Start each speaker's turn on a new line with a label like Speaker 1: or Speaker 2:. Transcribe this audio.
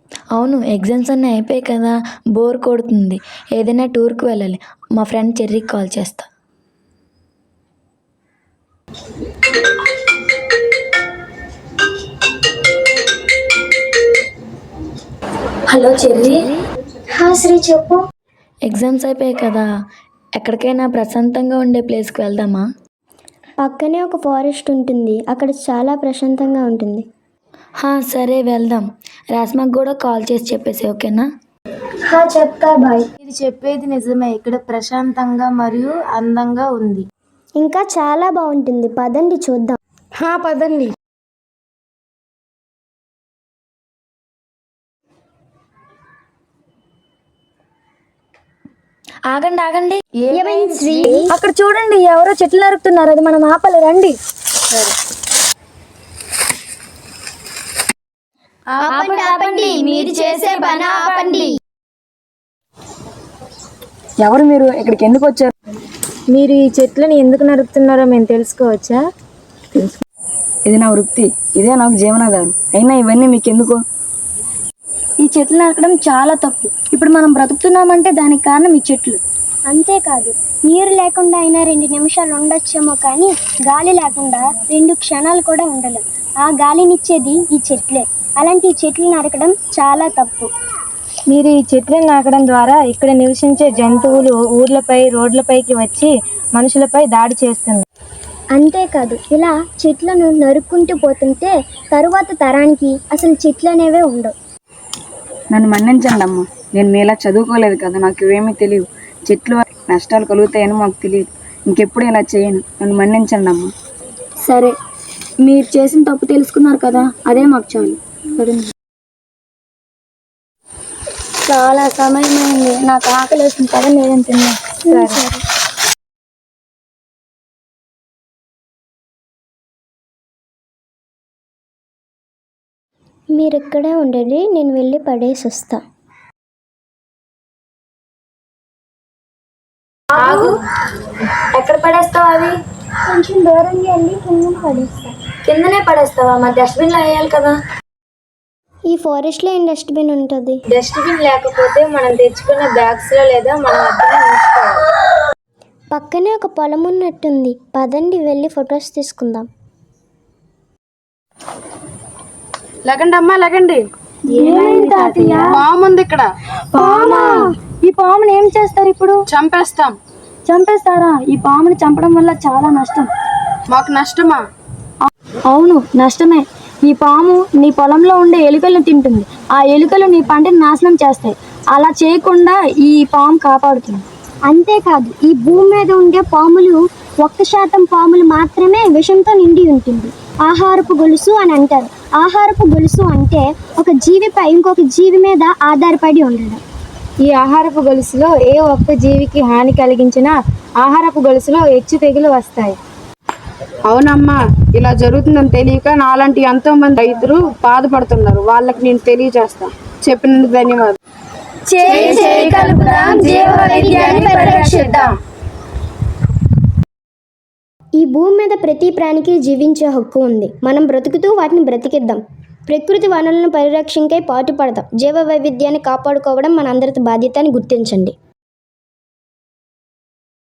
Speaker 1: అవును, ఎగ్జామ్స్ అన్నీ అయిపోయాయి కదా, బోర్ కొడుతుంది. ఏదైనా టూర్కి వెళ్ళాలి. మా ఫ్రెండ్ చెర్రీకి కాల్ చేస్తా. హలో చెర్రీ.
Speaker 2: శ్రీ చెప్పు.
Speaker 1: ఎగ్జామ్స్ అయిపోయాయి కదా, ఎక్కడికైనా ప్రశాంతంగా ఉండే ప్లేస్కి వెళ్దామా?
Speaker 2: పక్కనే ఒక ఫారెస్ట్ ఉంటుంది, అక్కడ చాలా ప్రశాంతంగా ఉంటుంది.
Speaker 1: సరే వెళ్దాం. రాస్మాకు కూడా కాల్ చేసి చెప్పేసి, ఓకేనా?
Speaker 2: చెప్తా బాయ్.
Speaker 3: ఇది చెప్పేది నిజమే, ఇక్కడ ప్రశాంతంగా మరియు అందంగా ఉంది.
Speaker 2: ఇంకా చాలా బాగుంటుంది, పదండి చూద్దాం.
Speaker 3: పదండి.
Speaker 1: ఆగండి ఆగండి.
Speaker 2: ఏమైంది శ్రీ?
Speaker 1: అక్కడ చూడండి, ఎవరో చెట్లు నరుకుతున్నారు. అది మనం ఆపాలి, రండి.
Speaker 2: ఆపండి, మీరు చేసే పని ఆపండి.
Speaker 3: ఎవరు మీరు? ఇక్కడికి ఎందుకు వచ్చారు? మీరు ఈ చెట్లను ఎందుకు నరుకుతున్నారో మేము తెలుసుకోవచ్చా?
Speaker 4: ఇది నా వృత్తి, ఇదే నాకు జీవనాధారం. అయినా ఇవన్నీ మీకెందుకు? ఈ చెట్లు నరకడం చాలా తప్పు. ఇప్పుడు మనం బ్రతుకుతున్నామంటే దానికి కారణం ఈ చెట్లు.
Speaker 2: అంతేకాదు, నీరు లేకుండా అయినా 2 నిమిషాలు ఉండొచ్చేమో, కానీ గాలి లేకుండా 2 క్షణాలు కూడా ఉండలేం. ఆ గాలినిచ్చేది ఈ చెట్లే. అలాంటి ఈ చెట్లు నరకడం చాలా తప్పు.
Speaker 3: మీరు ఈ చెట్లను నాకడం ద్వారా ఇక్కడ నివసించే జంతువులు ఊర్లపై, రోడ్లపైకి వచ్చి మనుషులపై దాడి చేస్తుంది.
Speaker 2: అంతేకాదు, ఇలా చెట్లను నరుక్కుంటూ పోతుంటే తరువాత తరానికి అసలు చెట్లు అనేవే ఉండవు.
Speaker 4: నన్ను మన్నించండి అమ్మ, నేను మీలా చదువుకోలేదు కదా, నాకు ఇవేమీ తెలియదు. చెట్లు వల్ల నష్టాలు కలుగుతాయని మాకు తెలియదు. ఇంకెప్పుడు ఇలా చేయను, నన్ను మన్నించండి అమ్మ.
Speaker 1: సరే, మీరు చేసిన తప్పు తెలుసుకున్నారు కదా, అదే మాకు చాలు. చాలా సమయమైంది, నాకు ఆకలి వేస్తుంది కదా, నేను తిన్నా.
Speaker 2: సరే. మీరు ఇక్కడే ఉండండి, నేను వెళ్ళి పడేసి వస్తా.
Speaker 1: ఎక్కడ పడేస్తావు అవి?
Speaker 2: కొంచెం దూరంగా వెళ్ళి కింద పడేస్తా.
Speaker 1: కిందనే పడేస్తావా? మరి డస్ట్బిన్ లో వేయాలి కదా.
Speaker 2: ఈ ఫారెస్ట్ లో ఏం డస్ట్బిన్ ఉంటుంది?
Speaker 3: డస్ట్బిన్ లేకపోతే మనం తెచ్చుకున్న బ్యాగ్స్ లో లేదా మన
Speaker 2: పక్కనే ఒక పొలం ఉన్నట్టుంది, పదండి వెళ్ళి ఫొటోస్ తీసుకుందాం.
Speaker 3: లగండి అమ్మా, లగండి. పాము ఉంది ఇక్కడ.
Speaker 1: పామా? ఈ పాముని ఏం చేస్తారు ఇప్పుడు?
Speaker 3: చంపేస్తాం.
Speaker 1: చంపేస్తారా? ఈ పాముని చంపడం వల్ల చాలా నష్టం.
Speaker 3: మాకు నష్టమా?
Speaker 1: అవును, నష్టమే. ఈ పాము నీ పొలంలో ఉండే ఎలుకలను తింటుంది. ఆ ఎలుకలు నీ పంటని నాశనం చేస్తాయి. అలా చేయకుండా ఈ పాము కాపాడుతుంది.
Speaker 2: అంతేకాదు, ఈ భూమి మీద ఉండే పాములు 1% పాములు మాత్రమే విషంతో నిండి ఉంటుంది. ఆహారపు గొలుసు అని అంటారు. ఆహారపు గొలుసు అంటే ఒక జీవిపై ఇంకొక జీవి మీద ఆధారపడి ఉండడం.
Speaker 3: ఈ ఆహారపు గొలుసులో ఏ ఒక్క జీవికి హాని కలిగించినా ఆహారపు గొలుసులో హెచ్చు తెగులు వస్తాయి. అవునమ్మా, ఇలా జరుగుతుందని తెలియక నాలాంటి ఎంతో మంది రైతులు బాధపడుతున్నారు. వాళ్ళకి నేను తెలియజేస్తాను. చెప్పినందుకు ధన్యవాదాలు.
Speaker 2: ఈ భూమి మీద ప్రతి ప్రాణికి జీవించే హక్కు ఉంది. మనం బ్రతుకుతూ వాటిని బ్రతికిద్దాం. ప్రకృతి వనరులను పరిరక్షణకై పాటుపడదాం. జీవ వైవిధ్యాన్ని కాపాడుకోవడం మనందరి బాధ్యత అని గుర్తించండి.